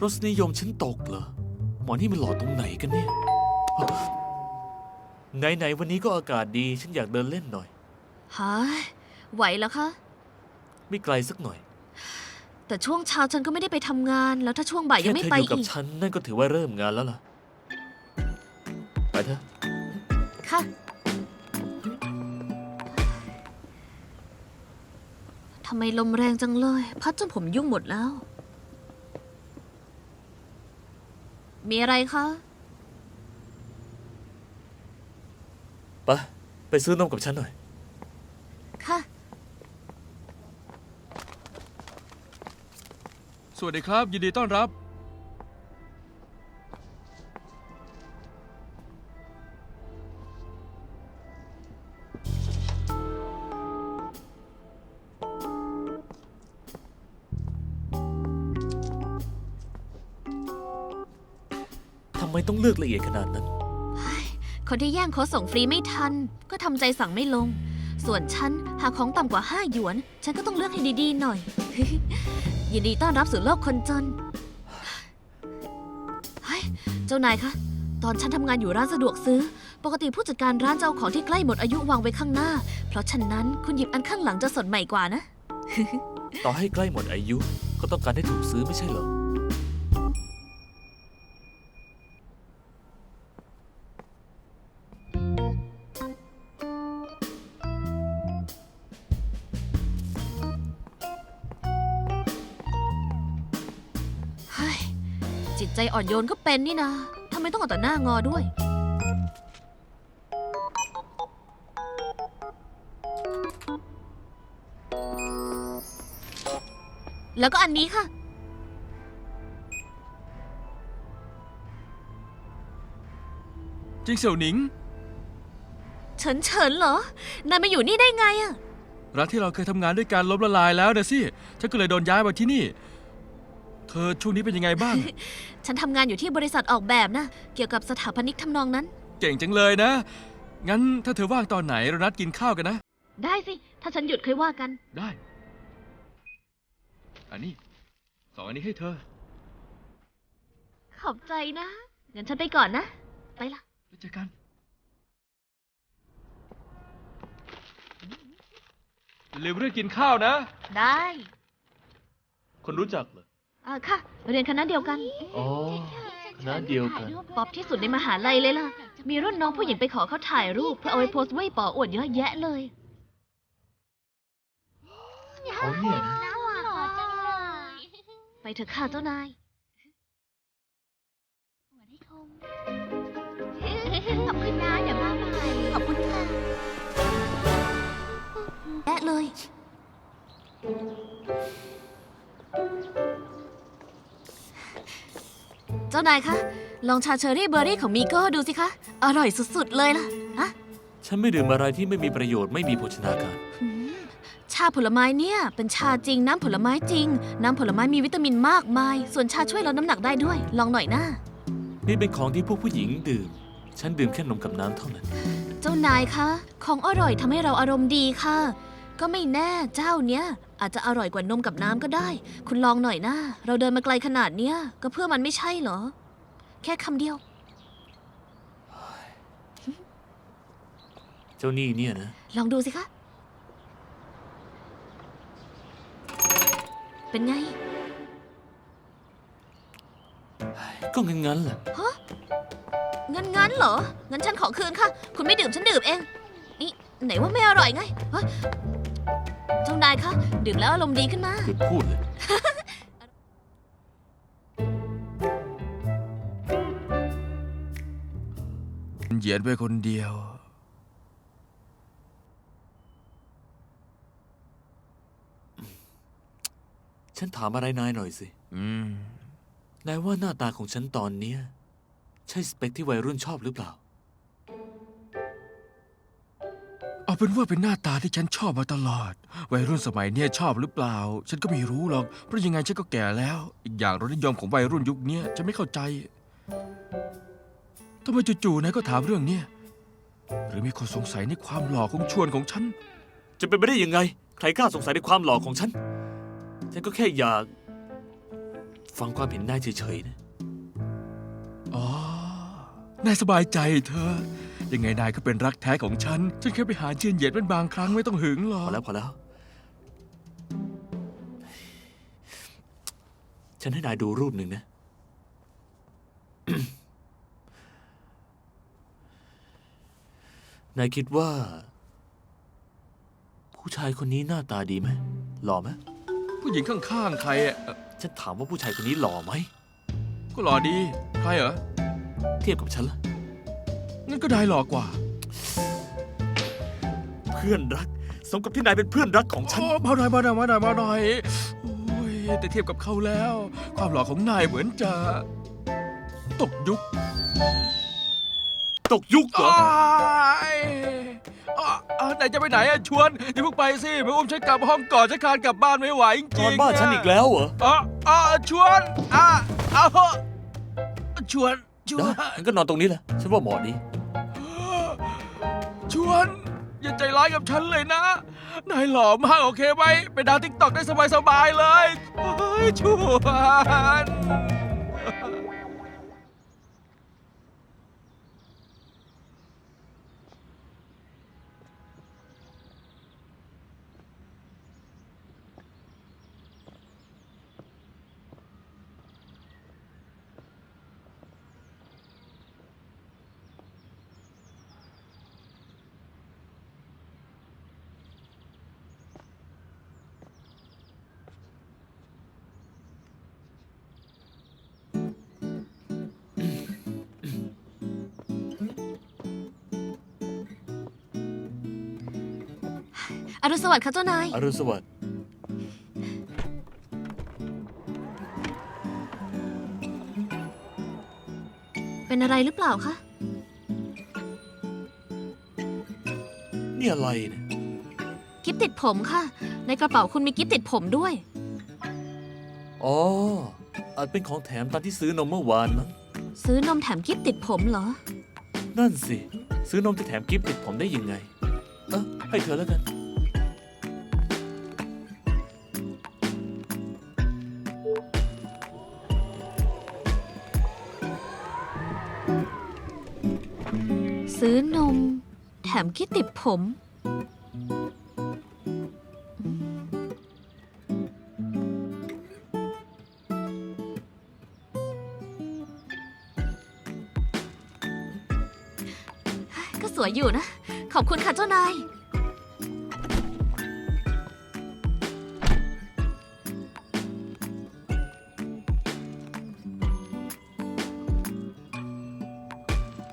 รสนิยมฉันตกเหรอหมอนี่มันหล่อตรงไหนกันเนี่ยไหนวันนี้ก็อากาศดีฉันอยากเดินเล่นหน่อยฮะไหวแล้วคะไม่ไกลสักหน่อยแต่ช่วงเช้าฉันก็ไม่ได้ไปทำงานแล้วถ้าช่วงบ่ายยังไม่ไปอีกแค่เธออยู่กับฉันนั่นก็ถือว่าเริ่มงานแล้วล่ะไปเถอะค่ะทำไมลมแรงจังเลยพัดจนผมยุ่งหมดแล้วมีอะไรคะไปซื้อนมกับฉันหน่อยค่ะสวัสดีครับยินดีต้อนรับทำไมต้องเลือกละเอียดขนาดนั้นคนที่แย่งโค้ดส่งฟรีไม่ทันก็ทำใจสั่งไม่ลงส่วนฉันหาของต่ำกว่า5 หยวนฉันก็ต้องเลือกให้ดีๆหน่อย ยินดีต้อนรับสู่โลกคนจนเฮ้ยเจ้านายคะตอนฉันทำงานอยู่ร้านสะดวกซื้อปกติผู้จัดการร้านจะเอาของที่ใกล้หมดอายุวางไว้ข้างหน้าเพราะฉะนั้นคุณหยิบอันข้างหลังจะสดใหม่กว่านะต่อให้ใกล้หมดอายุก็ต้องการให้ถูกซื้อไม่ใช่เหรอจิตใจอ่อนโยนก็เป็นนี่นะทำไมต้องเอาแต่หน้างอด้วย แล้วก็อันนี้ค่ะจริงเสี่ยวหนิงเฉินเหรอ นายมาอยู่นี่ได้ไงอะร้านที่เราเคยทำงานด้วยกันล้มละลายแล้วนะสิฉันก็เลยโดนย้ายมาที่นี่เธอช่วงนี้เป็นยังไงบ้างฉันทำงานอยู่ที่บริษัทออกแบบนะเกี่ยวกับสถาปนิกทำนองนั้นเก่งจังเลยนะงั้นถ้าเธอว่างตอนไหนเรานัดกินข้าวกันนะได้สิ ถ้าฉันหยุดค่อยว่ากันได้อันนี้2 อันนี้ให้เธอขอบใจนะงั้นฉันไปก่อนนะ ไปละแล้วเจอกันลืมเรื่องกินข้าวนะได้คนรู้จักเหรอค่ะ เรียนคณะเดียวกันอ๋อคณะเดียวกันป๊อปที่สุดในมหาลัยเลยล่ะ มีรุ่นน้องผู้หญิงไปขอเขาถ่ายรูปเพื่อเอาไว้โพสต์ไว้ป๋ออวดเยอะแยะเลยเขาเนี่ยนะไปเถอะค่ะเจ้านายขอบคุณนะเดี๋ยวมาใหม่ขอบคุณค่ะแย่เลยเจ้านายคะ ลองชาเชอรี่เบอร์รี่ของมีโก้ดูสิคะ อร่อยสุดๆเลยล่ะฮะฉันไม่ดื่มอะไรที่ไม่มีประโยชน์ไม่มีโภชนาการชาผลไม้เนี่ยเป็นชาจริงน้ำผลไม้จริงน้ำผลไม้มีวิตามินมากมายส่วนชาช่วยลดน้ำหนักได้ด้วยลองหน่อยนะนี่เป็นของที่พวกผู้หญิงดื่มฉันดื่มแค่นมกับน้ำเท่านั้นเจ้านายคะของอร่อยทำให้เราอารมณ์ดีค่ะก็ไม่แน่เจ้าเนี้ยอาจจะอร่อยกว่านมกับน้ำก็ได้คุณลองหน่อยนะเราเดินมาไกลขนาดเนี้ยก็เพื่อมันไม่ใช่เหรอแค่คำเดียวเจ้านี่เนี่ยนะลองดูสิคะเป็นไงก็งั้นแหละฮะงั้นเหรองั้นฉันขอคืนค่ะคุณไม่ดื่มฉันดื่มเองนี่ไหนว่าไม่อร่อยไงเฮ้ยเจ้านายคะดื่มแล้วอารมณ์ดีขึ้นมาหยุดพูดเลยเหยียดไปคนเดียวฉันถามอะไรนายหน่อยสินายว่าหน้าตาของฉันตอนเนี้ยใช่สเปคที่วัยรุ่นชอบหรือเปล่าเอาเป็นว่าเป็นหน้าตาที่ฉันชอบมาตลอดวัยรุ่นสมัยเนี้ยชอบหรือเปล่าฉันก็ไม่รู้หรอกเพราะยังไงฉันก็แก่แล้วอีกอย่างรสนิยมของวัยรุ่นยุคนี้ฉันไม่เข้าใจทำไมจู่ๆนายก็ถามเรื่องเนี้ยหรือมีคนสงสัยในความหล่อของชวนของฉันจะเป็นไปได้ยังไงใครกล้าสงสัยในความหล่อของฉันก็แค่อยากฟังความเห็นนายเฉยๆนะอ๋อ นายสบายใจเธอะยังไงนายก็เป็นรักแท้ของฉัน ฉันแค่ไปหาเจียนเหยียดเป็นบางครั้งไม่ต้องหึงหรอพกอแล้วพอแล้ว ฉันให้นายดูรูปหนึ่งนะ นายคิดว่า ผู้ชายคนนี้หน้าตาดีไหมหล่อไหมผู้หญิงข้างๆใครอ่ะฉันถามว่าผู้ชายคนนี้หล่อไหมก็หล่อดี ใครเหรอเทียบกับฉันละงั้นก็ได้หล่อกว่าเพื่อนรัก สมกับที่นายเป็นเพื่อนรักของฉันโอ้มาหน่อยมาหน่อยมาหน่อยมาหน่อยโอ้ยแต่เทียบกับเขาแล้ว ความหล่อของนายเหมือนจะ ตกยุคตกยุคเหรอไหนจะไปไหนอะชวนอย่าเพิ่งไปสิมาอุ้มฉันกลับห้องก่อนฉันคลานกลับบ้านไม่ไหวจริงๆนอนบ้านฉันอีกแล้วเหรอชวนชวนได้งั้นก็นอนตรงนี้แหละ ฉันว่าเหมาะดีชวน อย่าใจร้ายกับฉันเลยนะ นายหล่อมากโอเคไหมไปดาวติ๊กต็อกได้สบายๆเลยเฮ้ยชวนอรุณสวัสดิ์ค่ะเจ้านายอรุณสวัสดิ์เป็นอะไรหรือเปล่าคะนี่อะไรเนี่ยกิฟติดผมค่ะ ในกระเป๋าคุณมีกิฟติดผมด้วยอ๋อ อาจเป็นของแถมตอนที่ซื้อนมเมื่อวานมั้งซื้อนมแถมกิฟติดผมเหรอนั่นสิ ซื้อนมจะแถมกิฟต์ติดผมได้ยังไง ให้เธอแล้วกันซื้อนม แถมกิฟติดผม ก็สวยอยู่นะ ขอบคุณค่ะเจ้านาย